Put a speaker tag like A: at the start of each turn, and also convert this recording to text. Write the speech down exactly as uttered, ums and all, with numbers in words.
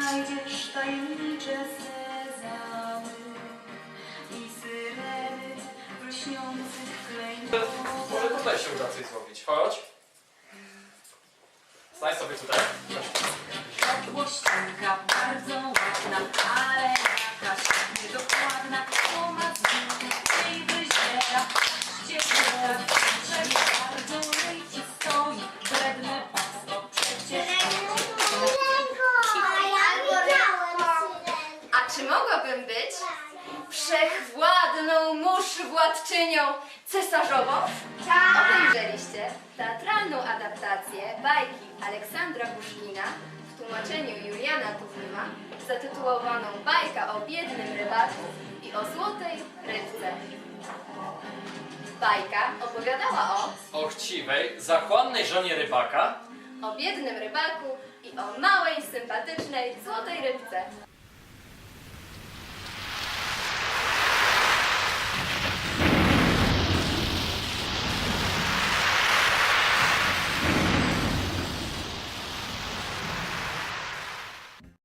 A: znajdziesz tajemnicze sezamy i syreny w lśniących klejnotach.
B: Może tutaj się uda coś zrobić. Chodź. Stań sobie tutaj.
A: Podłościanka bardzo ładna, ale jakaś niedokładna. To ma zmianę i wyziera, ścieżera, że bardzo lejci stoi, wredne pasto przecież.
C: A czy mogłabym być wszechwładną mórz władczynią cesarzową? Obejrzeliście teatralną adaptację bajki Aleksandra Puszkina w tłumaczeniu Juliana Tuwima zatytułowaną Bajka o biednym rybaku i o złotej rybce. Bajka opowiadała o
B: O chciwej, zachłannej żonie rybaka.
C: o biednym rybaku i o małej, sympatycznej, złotej rybce.